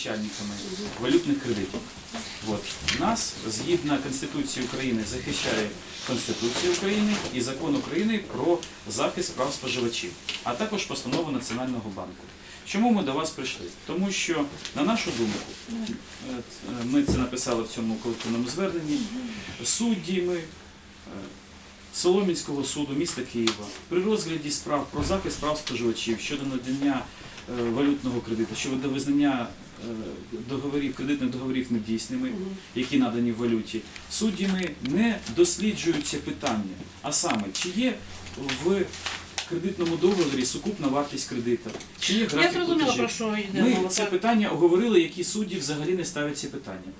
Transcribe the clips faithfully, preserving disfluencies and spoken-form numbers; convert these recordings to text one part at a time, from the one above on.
Начальниками валютних кредитів. От. Нас, згідно Конституції України, захищає Конституція України і Закон України про захист прав споживачів, а також постанова Національного банку. Чому ми до вас прийшли? Тому що, на нашу думку, ми це написали в цьому колективному зверненні, суддями Солом'янського суду міста Києва при розгляді справ про захист прав споживачів щодо надання валютного кредиту, щодо визнання договорів, кредитних договорів недійсними, які надані в валюті, суддями не досліджуються питання, а саме, чи є в кредитному договорі сукупна вартість кредита, чи є графік Я зрозуміла, про що йде мова. Ми це питання оговорили, які судді взагалі не ставлять ці питання.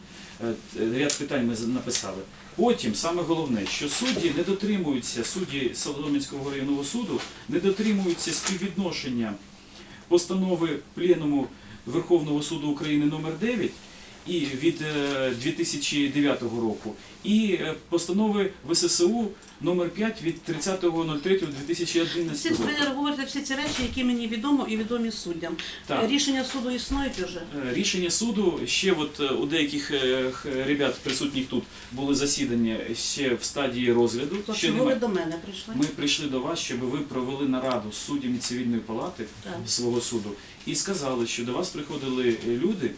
Ряд питань ми написали. Потім, саме головне, що судді не дотримуються, судді Солом'янського районного суду не дотримуються співвідношення постанови Пленуму Верховного суду України номер дев'ять і від дві тисячі дев'ятого року і постанови В С С У номер п'ять від тридцятого третього дві тисячі одинадцятого року. Ви говорите всі ці речі, які мені відомо і відомі суддям. Так. Рішення суду існують вже? Рішення суду, ще от у деяких ребят, присутніх тут, були засідання ще в стадії розгляду. То чого ви до мене прийшли? Ми прийшли до вас, щоб ви провели нараду з суддями цивільної палати так. свого суду і сказали, що до вас приходили люди,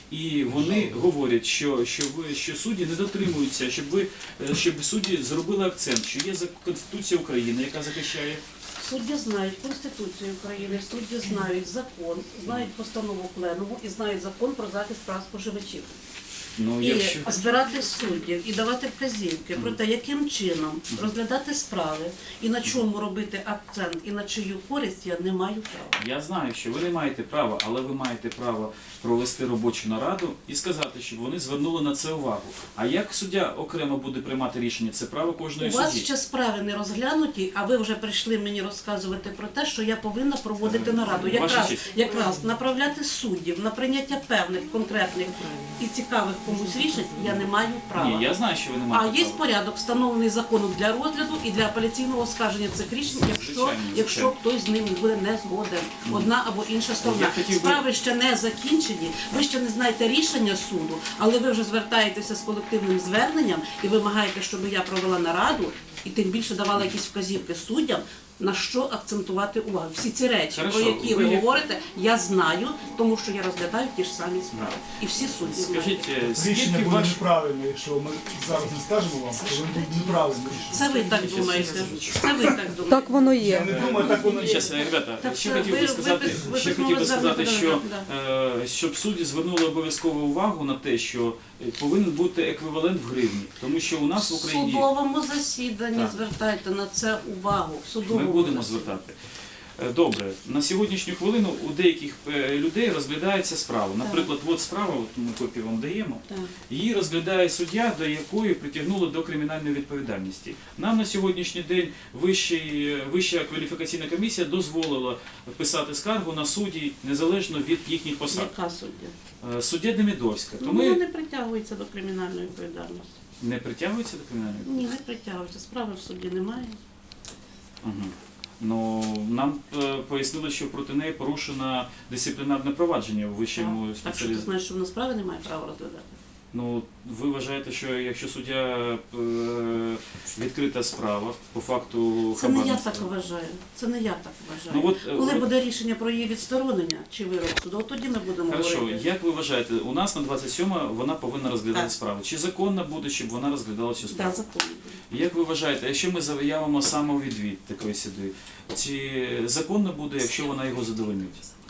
і вони говорять, що, що, ви, що судді не дотримуються, щоб, ви, щоб судді зробили акцент, що є Конституція України, яка захищає. Судді знають Конституцію України, судді знають закон, знають постанову Пленуму і знають закон про захист прав споживачів. Ну, і якщо... збирати суддів, і давати вказівки про те, яким чином розглядати справи, і на чому робити акцент, і на чию користь я не маю права. Я знаю, що ви не маєте права, але ви маєте право провести робочу нараду і сказати, щоб вони звернули на це увагу. А як суддя окремо буде приймати рішення, це право кожної судді. У вас ще справи не розглянуті, а ви вже прийшли мені розказувати про те, що я повинна проводити нараду. Якраз, якраз направляти суддів на прийняття певних, конкретних і цікавих комусь рішень я не маю права. Ні, я знаю, що ви не маєте права. А є порядок, встановлений законом для розгляду і для апеляційного оскарження цих рішень, якщо, звичайно, якщо хтось з ним буде не згоден. Одна або інша сторона. Справи ще не закінчені, ви ще не знаєте рішення суду, але ви вже звертаєтеся з колективним зверненням і вимагаєте, щоб я провела нараду і тим більше давала якісь вказівки суддям, на що акцентувати увагу. Всі ці речі, Хорошо, про які ви, ви говорите, я знаю, тому що я розглядаю ті ж самі справи. І всі судді Скажіть, рішення буде ваш... неправильне, якщо ми зараз не скажемо вам, то воно буде неправильне рішення. Це ви так думаєте. Це ви так думаєте. Так воно є. Я не думаю, так воно є. Зараз, ребята, так, ще ви, хотів би сказати, ви, ви, ще ви хотів би сказати, що да. е, щоб судді звернули обов'язково увагу на те, що повинен бути еквівалент в гривні, тому що у нас в Україні... В судовому засіданні так. звертайте на це увагу. В судовому Ми будемо засіданні. звертати. Добре, на сьогоднішню хвилину у деяких людей розглядається справа. Наприклад, от справа, от ми копію вам даємо, так. її розглядає суддя, до якої притягнули до кримінальної відповідальності. Нам на сьогоднішній день Вищий, Вища кваліфікаційна комісія дозволила писати скаргу на судді незалежно від їхніх посад. Яка суддя? Суддя Демидовська. Ну, вона не притягується до кримінальної відповідальності. Не притягується до кримінальної відповідальності? Ні, не притягується. Справи в суді немає. Угу. Ну, нам е, пояснили, що проти неї порушено дисциплінарне провадження у вищому спеціалізації. А що ти знаєш, що вона справи не має права розглядати? Ну, ви вважаєте, що якщо суддя е, відкрита справа по факту Це не я хабарництва? так вважаю. Це не я так вважаю. Ну, от, Коли от... буде рішення про її відсторонення чи вирок суду, от тоді ми будемо Хорошо, говорити. як ви вважаєте, у нас на двадцять сьоме вона повинна розглядати так. справу. Чи законно буде, щоб вона розглядала цю справу? Так, законно. Як ви вважаєте, якщо ми заявимо самовідвід такої судді, чи законно буде, якщо вона його задовольнить?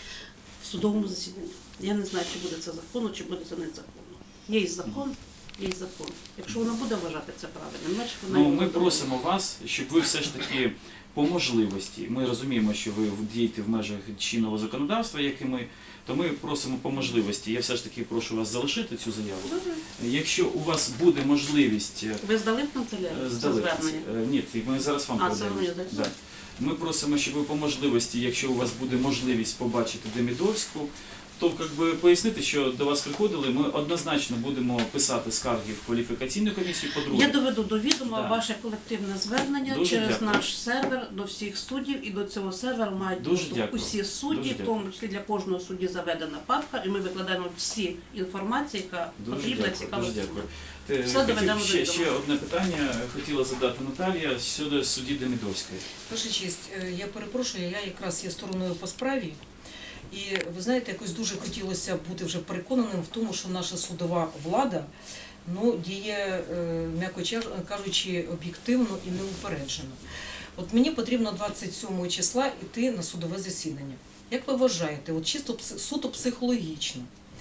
В судовому засіданні. Я не знаю, чи буде це законно, чи буде це незаконно. Є і закон, є і закон. Якщо вона буде вважати це правильним, значить вона Ну, його ми задовольнить. просимо вас, щоб ви все ж таки по можливості, ми розуміємо, що ви дієте в межах чинного законодавства, як і ми, то ми просимо по можливості. Я все ж таки прошу вас залишити цю заяву. Добре. Якщо у вас буде можливість... Ви здали в канцелярію це Здали. звернення? Ні, ми зараз вам А, передаємо. це ви, так? Ми просимо, щоб ви по можливості, якщо у вас буде можливість побачити Демидовську, то как би, пояснити, що до вас приходили, ми однозначно будемо писати скарги в кваліфікаційну комісію, по-друге. Я доведу до відома Да. ваше колективне звернення Дуже через дякую. наш сервер до всіх суддів, і до цього серверу мають Дуже доступ дякую. усі судді, Дуже в тому числі для кожного судді заведена папка, і ми викладаємо всі інформації, яка Дуже потрібна, дякую, цікава. дуже дякую. Е, Все хотів- доведемо до ще, відома. ще одне питання хотіла задати Наталія щодо судді Демидовської. Ваша честь, е, я перепрошую, я якраз є стороною по справі. І ви знаєте, якось дуже хотілося бути вже переконаним в тому, що наша судова влада ну, діє, е, м'яко ча- кажучи, об'єктивно і неупереджено. От мені потрібно двадцять сьомого числа йти на судове засідання. Як ви вважаєте, от чисто пс- суто психологічно,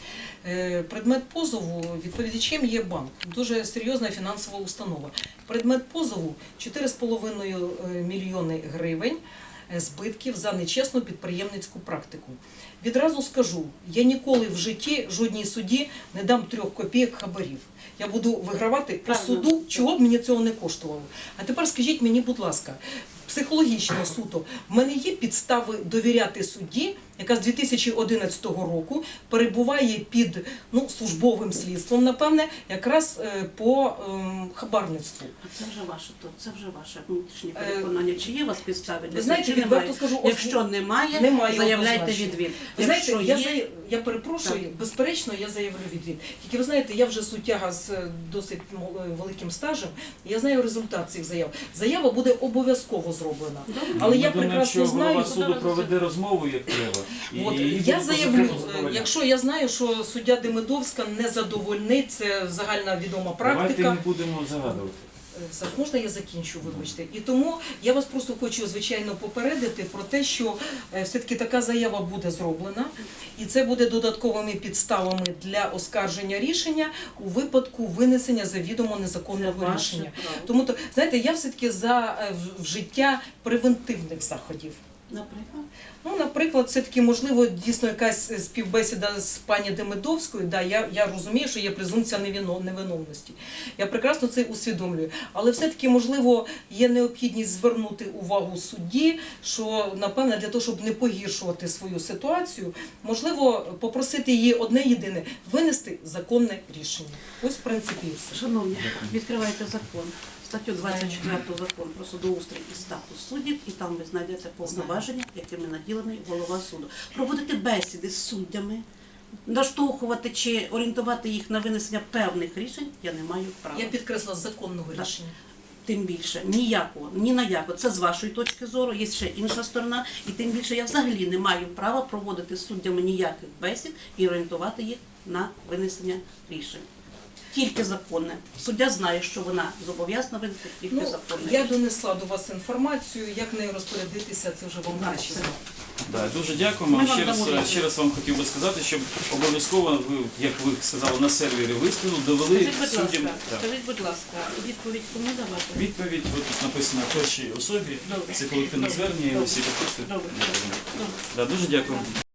е, предмет позову відповідачем є банк, дуже серйозна фінансова установа. Предмет позову чотири з половиною мільйони гривень збитків за нечесну підприємницьку практику. Відразу скажу, я ніколи в житті жодній суді не дам трьох копійок хабарів. Я буду вигравати по Правильно. суду, чого б мені цього не коштувало. А тепер скажіть мені, будь ласка, психологічно суто, в мене є підстави довіряти судді, яка з дві тисячі одинадцятого року перебуває під ну, службовим слідством, напевне, якраз е, по ем, хабарництву. А це вже ваше, то це вже ваше внутрішнє Е, переконання. Чи є у вас підстави для ви знаєте, цього, чи відверто немає? скажу, ось- Якщо немає, Немає заявляйте однозначно. відвід. Ви знаєте, Якщо я, є, зая- я перепрошую, Так. безперечно, я заявлю відвід. Тільки ви знаєте, я вже суттяга з е, досить мол- великим стажем, і я знаю результат цих заяв. Заява буде обов'язково зроблена. Але я Ми думаємо, прекрасно що голова знаю. суду проведе розмову, як треба. І От, її я буде по заявлю, закону е, задовольняти. якщо я знаю, що суддя Демидовська не задовольнить, це загальна відома Давайте практика. не будемо загадувати. Е, Саш, можна я закінчу, вибачте? І тому я вас просто хочу, звичайно, попередити про те, що е, все-таки така заява буде зроблена, і це буде додатковими підставами для оскарження рішення у випадку винесення завідомо це незаконного ваше рішення. право. Тому, то, знаєте, я все-таки за е, в- вжиття превентивних заходів. Наприклад, Ну, наприклад, все-таки, можливо, дійсно якась співбесіда з пані Демидовською, да, я, я розумію, що є презумпція невино- невиновності. Я прекрасно це усвідомлюю. Але все-таки, можливо, є необхідність звернути увагу судді, що, напевне, для того, щоб не погіршувати свою ситуацію, можливо, попросити її одне єдине – винести законне рішення. Ось, в принципі, і все. шановні, відкривайте закон. Статтю двадцять четверту закону про судоустрій і статус суддів, і там ви знайдете повноваження, якими наділений голова суду. Проводити бесіди з суддями, наштовхувати чи орієнтувати їх на винесення певних рішень я не маю права. Я підкресла законного Так. рішення. Тим більше ніякого, ні на яко. Це з вашої точки зору, є ще інша сторона, і тим більше я взагалі не маю права проводити з суддями ніяких бесід і орієнтувати їх на винесення рішень. Тільки законне. Суддя знає, що вона зобов'язана винести тільки Ну, законне. я донесла до вас інформацію, як нею розпорядитися, це вже вам Так, краще це- знати. Да, дуже дякуємо. Ми вам Ще раз, дамо відповідь. ще раз вам хотів би сказати, щоб обов'язково ви, як ви сказали, на сервері виставили, довели Скажіть, будь суддям. ласка, Так. скажіть, будь ласка, відповідь кому давати? Відповідь от тут написано першій особі. Добре. Це колективне Добре. звернення, і Добре. всі підписи. Добре. Добре. Да, дуже дякую.